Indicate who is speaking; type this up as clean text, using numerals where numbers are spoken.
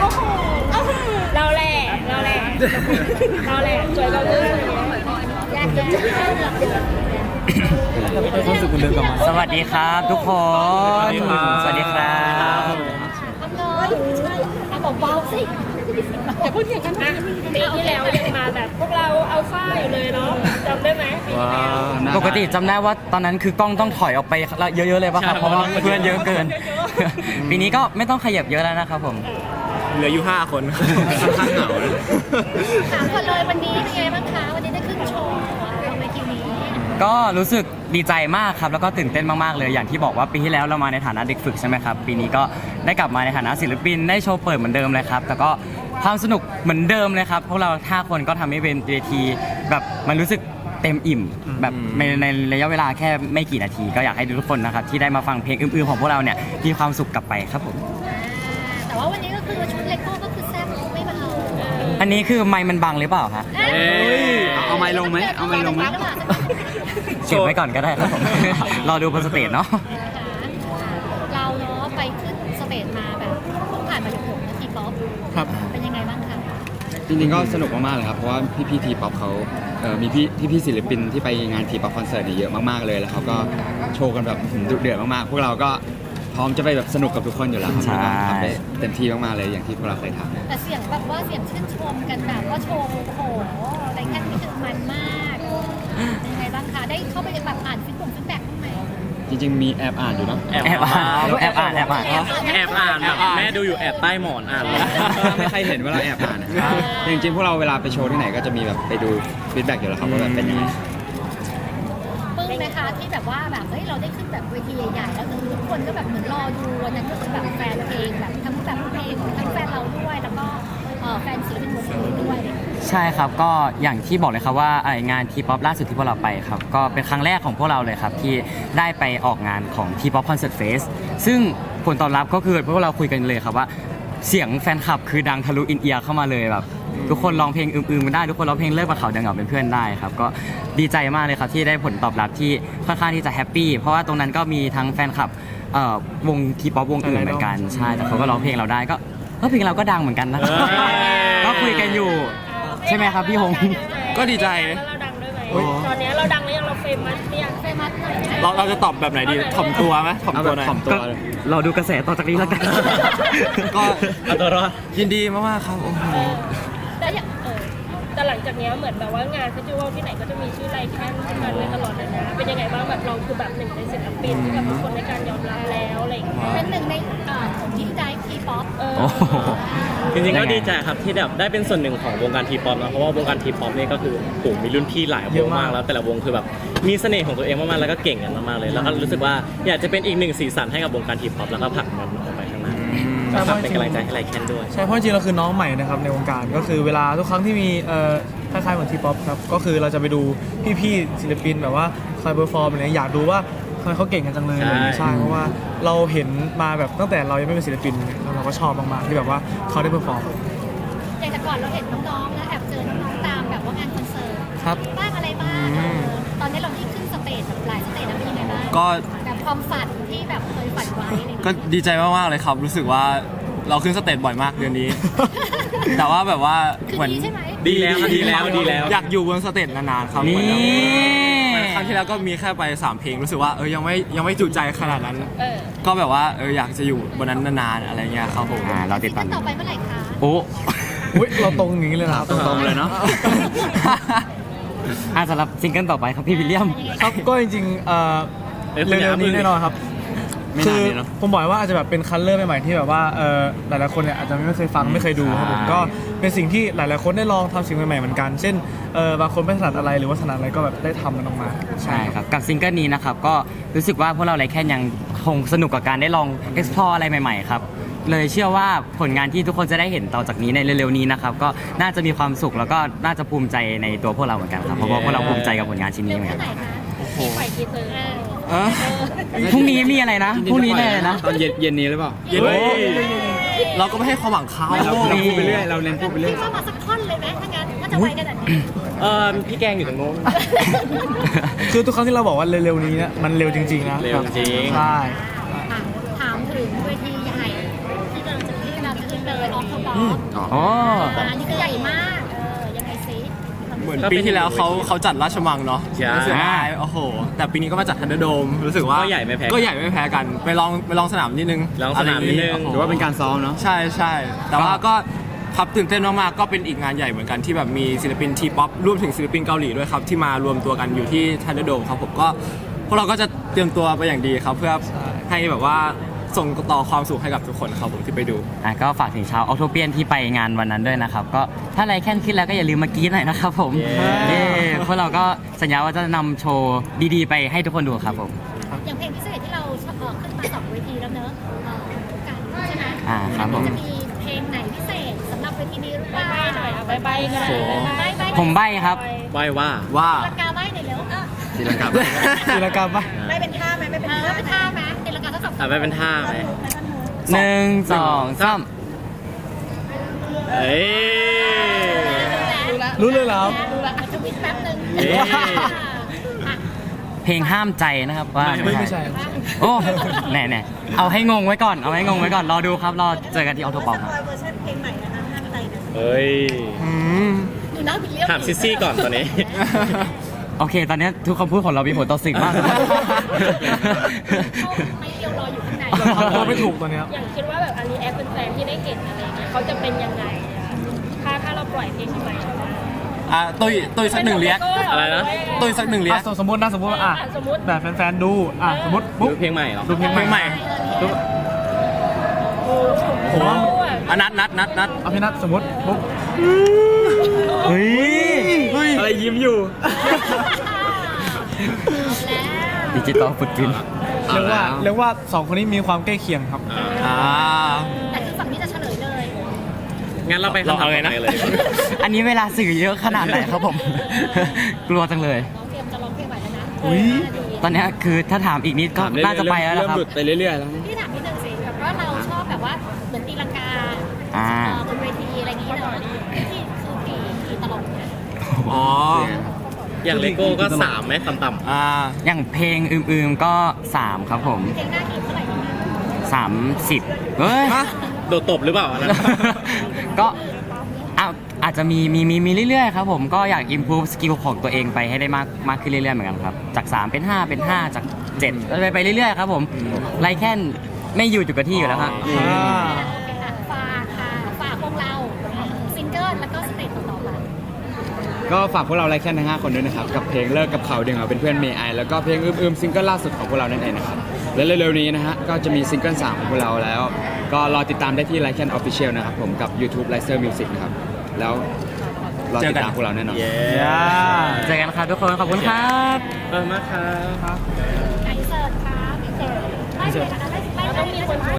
Speaker 1: เราแหละสวยเราเลือกยากจัง
Speaker 2: ความสุขคุณเดินกลับมา
Speaker 3: สวัสดีครับทุกคนสวัสดีครับ
Speaker 1: บอกเบาสิอย่าพูดอย่างนั้นนะปีที่แล้วยังมาแบบพวกเราเอาฝ้าอยู่เลยเนาะจำได้ไหม
Speaker 3: ปกติจำได้ว่าตอนนั้นคือกล้องต้องถอยออกไปเยอะๆเลยป่ะครับเพราะว่าเพื่อนเยอะเกินปีนี้ก็ไม่ต้องขยับเยอะแล้วนะครับผม
Speaker 2: เหลืออยู่5 คนค่อนข้างเหงา
Speaker 1: ถามก่อนเลยวันนี้เป็นไงบ้างคะวันนี้ได้ขึ้นโชว์เราในทีนี้
Speaker 3: ก็รู้สึกดีใจมากครับแล้วก็ตื่นเต้นมากๆเลยอย่างที่บอกว่าปีที่แล้วเรามาในฐานะเด็กฝึกใช่ไหมครับปีนี้ก็ได้กลับมาในฐานะศิลปินได้โชว์เปิดเหมือนเดิมเลยครับแต่ก็ความสนุกเหมือนเดิมเลยครับพวกเรา5 คนก็ทำให้เป็นเวทีแบบมันรู้สึกเต็มอิ่มแบบในระยะเวลาแค่ไม่กี่นาทีก็อยากให้ทุกคนนะครับที่ได้มาฟังเพลงอื่นๆของพวกเราเนี่ยมีความสุขกลับไปครับผม
Speaker 1: แต่ว่าวันนี้ก็คือชุดเลโก้ก็คือแซ่บไม่เบา
Speaker 3: อันนี้คือไมค์มันบังหรือเปล่าคะ
Speaker 2: เอาไมค์ลงไหมเอาไมค์ลงไหม
Speaker 3: เก็บไว้ก่อนก็ได้ครับผมรอดูบนสเตจเนาะ
Speaker 1: เราเนาะไปขึ้นสเตจมาแบบเพิ่งผ่านมาหยกๆนะทีป๊อป
Speaker 2: ครับ
Speaker 1: เป็นยังไงบ้างคะ
Speaker 2: จริงๆก็สนุกมากๆเลยครับเพราะว่าพี่ทีป๊อปเขามีพี่ศิลปินที่ไปงานทีป๊อปคอนเสิร์ตเยอะมากๆเลยแล้วเขาก็โชว์กันแบบดุเดือดมากๆพวกเราก็พร้อมจะไปแบบสนุกกับทุกคนอยู่แล้วครับทำได้เต็มที่มากๆเลยอย่างที่พวกเราเคยทำ
Speaker 1: แต่เสียงแบบว่าเสียงชื่นชมกันแบบว่าโชว์โอ้โหอะไรแค่นี้คือมันมากยังไงบ้างคะได้เข้าไปแบบอ่านฟีดแบ็กบ้างไหม
Speaker 2: จริงๆมีแอบอ่านอยู่เนาะ
Speaker 3: แอบอ่าน
Speaker 4: แม่ดูอยู่แอบใต้หมอนอ่าน
Speaker 2: ไม่ใครเห็นว่าเราแอบอ่านจริงๆพวกเราเวลาไปโชว์ที่ไหนก็จะมีแบบไปดูฟีดแบ็กอยู่แล้วครับว่าแบบเป็นยังไง
Speaker 1: ปึ้งนะคะที่แบบว่าแบบเฮ้ยเราได้ขึ้นแบบเวทีใหญ่ๆแล้วทุกคนก็แบบเหมือนรอดูวันนั้นก็คือแบบแฟนเพลงแบบทั้งแบบเพลงทั้งแฟนเราด้วยแล้วก็แฟนศิลปินวงอื่นด้วย
Speaker 3: ใช่ครับก็อย่างที่บอกเลยครับว่างานทีป๊อปล่าสุดที่พวกเราไปครับก็เป็นครั้งแรกของพวกเราเลยครับที่ได้ไปออกงานของทีป๊อปคอนเสิร์ตเฟสซึ่งผลตอบรับก็คือพวกเราคุยกันเลยครับว่าเสียงแฟนคลับคือดังทะลุอินเอียร์เข้ามาเลยแบบทุกคนร้องเพลงอื่นๆมันได้ทุกคนร้องเพลงเลิกมาเขาเดินเหงาเป็นเพื่อนได้ครับก็ดีใจมากเลยครับที่ได้ผลตอบรับที่ค่อนข้างที่จะแฮปปี้เพราะว่าตรงนั้นก็มีทั้งแฟนคลับวงทีป๊อปวงอื่นเหมือนกันใช่แต่เขาก็ร้องเพลงเราได้ก็เพลงเราก็ดังเหมือนกันนะก็คุยกันอยู่ใช่ไหมครับพี่หง
Speaker 2: ก็ดีใจ
Speaker 1: เราดังด้วยไหมตอนนี้เราดังหรือยังเราเฟมัสหรือยังเฟมัสหน่อย
Speaker 2: เราจะตอบแบบไหนดีถ่อมตัวไหมถ่อมตัวหน่อย
Speaker 3: เราดูกระแสต่อจากนี้แล้วกัน
Speaker 2: ก็เอาตัวรอดยินดีมากๆครับโอ้โห
Speaker 1: แต่หลังจากนี้เหมือนแบบว่างานเฟสติวัลที่ไหนก็จะมีชื่อไลแคนขึ้นมาเลยตลอดเลยนะเป็นยังไงบ้างแบบเราคือแบบหนึ่งในศิลปินที่แบบทุกคนในการยอมรับแล้วอะไรอย่างเงี้ยเป็นหนึ่งในของที่ได้ทีป๊อป
Speaker 4: จริงๆก็ดีใจครับที่แบบได้เป็นส่วนหนึ่งของวงการทีป๊อปนะเพราะว่าวงการทีป๊อปนี่ก็คือมีรุ่นพี่หลายวงมากแล้วแต่ละวงคือแบบมีเสน่ห์ของตัวเองมากๆแล้วก็เก่งกันมากๆเลยแล้วก็รู้สึกว่าอยากจะเป็นอีกหนึ่งสีสันให้กับวงการทีป๊อปแล้วก็ผลักมันออกไปข้างหน้าเป็นกำลังใจให้ไลแคนด้วย
Speaker 5: ใช่เพราะจริงเราคือน้องใหม่นะครับในวงการก็คือเวลาทุกครั้งที่มีคล้ายๆเหมือนทีป๊อปครับก็คือเราจะไปดูพี่ๆศิลปินแบบว่าคอยเปอร์ฟอร์มอะไรอยากดูว่าทำไมเขาเก่งกันจังเลยใช่เพราะว่าเราเห็นมาแบบตั้งแต่เรายังไม่เป็นศิลปินเราก็ชอบมากๆที่แบบว่าเขาได้เปอร์ฟอร์ม
Speaker 1: อย่างแต่ก่อนเราเห็นน้องๆแล้วแอบเจอน้องๆตามแบบว่างานคอนเสิร์ต
Speaker 5: ครับ
Speaker 1: บ้างอะไรบ้างตอนนี้เราที่ขึ้นสเตจแบบหลายสเตจแล้วเป็นยังไงบ้าง
Speaker 2: ก็
Speaker 1: แบบความฝันที่แบบเคยฝันไว้
Speaker 2: ก็ดีใจมากๆเลยครับรู้สึกว่าเราขึ้นสเตจบ่อยมากเดือนนี้แต่ว่าแบบว่าเหมือน
Speaker 4: ดีแล้ว
Speaker 2: อยากอยู่บนสเตจนานๆครับเหมือนครั้งที่แล้วก็มีแค่ไป3 เพลงรู้สึกว่ายังไม่จุใจขนาดนั้นก็แบบว่าอยากจะอยู่บนนั้นนานๆอะไรเงี้ยครับผม
Speaker 3: เราติดตาม
Speaker 1: ต่อไปเมื่อไหร่คะ
Speaker 3: โอ้
Speaker 5: เราตรงนี้เลยนะ
Speaker 2: ตรงเลยเนาะ
Speaker 3: สำหรับซิงเกิลต่อไปครับพี่วิลเลียม
Speaker 5: ครับก็จริงๆเร็วๆนี้แน่นอนครับคือผมบอกว่าอาจจะแบบเป็นคัลเลอร์ใหม่ๆที่แบบว่าหลายๆคนเนี่ยอาจจะไม่เคยฟังไม่เคยดูครับผมก็เป็นสิ่งที่หลายๆคนได้ลองทำสิ่งใหม่ๆเหมือนกันเช่นบางคนไม่ถนัดอะไรหรือว่าถนัดอะไรก็แบบได้ทำมันออกมา
Speaker 3: ใช่ครับกับซิงเกิลนี้นะครับก็รู้สึกว่าพวกเราไลแคนยังคงสนุกกับการได้ลอง explore อะไรใหม่ๆครับเลยเชื่อว่าผลงานที่ทุกคนจะได้เห็นต่อจากนี้ในเร็วๆนี้นะครับก็น่าจะมีความสุขแล้วก็น่าจะภูมิใจในตัวพวกเราเหมือนกันครับเพราะว่าพวกเราภูมิใจกับผลงานชิ้นนี้เหมือนกันพรุ่งนี้มีอะไรนะพรุ่งนี้แน่นะ
Speaker 2: ตอนเย็นนี้หรือเปล่าเราก็ไม่ให้ความหวังเขาเราพูดไปเรื่อยเราเล่นพูดไปเรื่อย
Speaker 1: พี่มาสักท่อนเลยไหมถ้างั้นถ้าจะไปกันแบบนี้
Speaker 4: พี่แกงอยู่ตรงโน้น
Speaker 5: คือทุกครั้งที่เราบอกว่าเร็วๆนี้เนี่ยมันเร็วจริงๆนะ
Speaker 4: เร็วจริง
Speaker 5: ใช่
Speaker 1: ถามถึงเวทีใหญ่ที่เราจะขึ้นเลยออฟทอป
Speaker 3: โอ้
Speaker 1: อันนี้คือใหญ่มากยังไงซิ
Speaker 6: เหมือนปีที่แล้วเขาจัดราชมังเนาะ
Speaker 4: ใช่
Speaker 6: รู้สึกได้โอ้โห แต่ปีนี้ก็มาจัดทันเดอร์โดมรู้สึกว่า
Speaker 4: ก็ใหญ่ไม่แพ้
Speaker 6: ก็ใหญ่ไม่แพ้กันไปลองสนามนิดนึง
Speaker 4: ลองสนามนิดนึง
Speaker 6: ะไรย่
Speaker 2: หรือว่าเป็นการซ้อมเนาะ
Speaker 6: ใช่ใช่แต่ว่าก็ครับตื่นเต้นมากๆก็เป็นอีกงานใหญ่เหมือนกันที่แบบมีศิลปินทีป๊อปรวมถึงศิลปินเกาหลีด้วยครับที่มารวมตัวกันอยู่ที่ทันเดอร์โดมครับผมก็พวกเราก็จะเตรียมตัวไปอย่างดีครับเพื่อให้แบบว่าส่งต่อความสุขให้กับทุกคนครับผมที่ไปดู
Speaker 3: ก็ฝากถึงชาวออโตเปียนที่ไปงานวันนั้นด้วยนะครับ ก็ถ้าไรแค่นขึ้นแล้วก็อย่าลืมมากรี๊ดหน่อยนะครับผม
Speaker 4: เย้
Speaker 3: พวกเราก็สัญญาว่าจะนำโชว์ดีๆ ไปให้ทุกคนดูครับผม
Speaker 1: อย่างเพลงพิเศษที่เราขึ้นมา2 เวทีแล้วเนอะกันใช่ไหม
Speaker 3: ครับผม
Speaker 1: จะมีเพลงไหนพิเศษสำหรับเวทีนี้หรือเปล่าหน่อยใบกัน
Speaker 6: โอ้โห
Speaker 3: ผมใบ้ครับ
Speaker 4: ไหว้ว่า
Speaker 6: ว่า
Speaker 1: ตีลังกาใบหน่อยเร็ว
Speaker 2: ทีละครับ
Speaker 5: ศิลปกรรมปะ
Speaker 1: ไม่เป็นท่าไหมไม่เป็นท่าไหมตีลังกาทั้งสอง
Speaker 4: ไม่เป็นท่าไหม
Speaker 3: 1 2 3
Speaker 4: เอ้ย
Speaker 5: รู้เลยเหรอครับ
Speaker 1: ดูละมันจะวิดแป๊บนึง
Speaker 4: เอ๊ะ
Speaker 3: เพลงห้ามใจนะครับว่า
Speaker 5: ไม่ใช่
Speaker 3: โอ้แน่ๆเอาให้งงไว้ก่อนเอาให้งงไว้ก่อนรอดูครับรอเจอกันที่ออโตปอมครับ
Speaker 1: เวอร์ชันเพลงใหม่นะคะห้ามใจนะ
Speaker 4: เฮ้ย
Speaker 6: อืม
Speaker 1: ดูน้าบิลเลียม
Speaker 4: ถามซิซี่ก่อนตอนนี้
Speaker 3: โอเค ตอนนี้ทุกคำพูดของเรามีผลต่อสิ่งมาก
Speaker 1: ไม่เดียวรออยู่ข้างใน
Speaker 5: เราทำตัวไม่ถูกตอนเนี้ย
Speaker 7: อย่างคิดว่าแบบอารีแอคเป็นแฟนที่ได้เห็นอะไรเงี้ยเขาจะเป็นยังไงอะถ้าเราปล่อยเพลงใหม่ออกมา
Speaker 6: ตุ้ยสักหนึ่งเรียก
Speaker 4: อะไรนะ
Speaker 6: ตุ้ยสักหนึ่งเรียก
Speaker 5: สมมติว่า
Speaker 7: สมมติ
Speaker 5: แบบแฟนๆดูสมมติ
Speaker 4: ดู
Speaker 5: ปุ๊บ
Speaker 4: เพลงใหม่เหรอ
Speaker 5: ดูเพลง
Speaker 6: เพลง
Speaker 5: ให
Speaker 6: ให
Speaker 5: ม่
Speaker 6: ม่
Speaker 5: ผมว่า
Speaker 6: นัด
Speaker 5: เอาพี่นัทสมมติปุ๊บ
Speaker 3: เฮ้ย
Speaker 2: อะไรยิ้มอยู่
Speaker 3: ดิจิตอลฟุตพิ้น
Speaker 5: เรียกว่าสองคนนี้มีความใกล้เคียงครับ
Speaker 6: อ่า
Speaker 1: แต่คือฝั่งนี้จะเฉลยเลย
Speaker 4: งั้นเราไปคำถามต่อไปเลยดีกว่า
Speaker 3: อันนี้เวลาสื่อเยอะขนาดไหนครับผม กลัวจังเลย
Speaker 1: น้องเตรียมจะร้องเพลงใหม่แล้วนะ
Speaker 5: อุ๊ย
Speaker 3: ตอนนี้คือถ้าถามอีกนิดก็น่าจะไปแล้ว
Speaker 2: เริ่
Speaker 3: นะ
Speaker 2: ม
Speaker 3: ครับ
Speaker 2: หลุดไปเรื่อยๆแล้ว
Speaker 1: พี่ถามนิดนึงสิแบบว่าเราชอบแบบว่าเหมือนตีลังกา
Speaker 3: อ่า
Speaker 1: บนเวทีอะไรอย่างนี้เนอะที่คือตีตลกเนี่ย
Speaker 6: อ๋อ
Speaker 4: อย่างเลโก้ก็3ไหมต่ำ
Speaker 6: อ่า
Speaker 3: อย่างเพลงอืมๆก็ 3 ครับผม
Speaker 1: เพลงหน้ากี่เท่าไหร่นะ
Speaker 3: 30เฮ้ย
Speaker 6: ฮะ
Speaker 4: ๆโดดตบหรือเปล่าอันนั้น
Speaker 3: ก็อาจจะมีเรื่อยๆครับผมก็อยาก improve skill ของตัวเองไปให้ได้มากขึ้นเรื่อยๆเหมือนกันครับ จาก 3 เป็น 5 เป็น 5 จาก 7ไปเรื่อยๆครับผมไรแค่นไม่อยู่จุดกับที่อยู่แล้วครับ
Speaker 1: โอเคค่ะฝากพวกเราซิงเกิลแล้วก็สเตจต่อๆไป
Speaker 2: ก็ฝากพวกเราไลค์แค่ทั้ง5คนด้วยนะครับ กับเพลงเลิกกับเขาเดียวเป็นเพื่อนเมย์ไอแล้วก็เพลงอืมซิงเกิลล่าสุดของพวกเรานั่นเองนะครับและเร็วๆนี้นะฮะก็จะมีซิงเกิล3ของพวกเราแล้ว ก็รอติดตามได้ที่ไลค์แค่ Official นะครับผมกับ YouTube l i c e r Music นะครับแล้วรอติดตามพวกเราแน่นอน
Speaker 4: เย้
Speaker 3: เจอกันครับทุกคนขอบคุณครับ
Speaker 4: ขอบคุณมากครับ
Speaker 1: ไก่เสิร์ฟค่ะไก่เสิร์ฟไม่เลยนะคะไม่เลย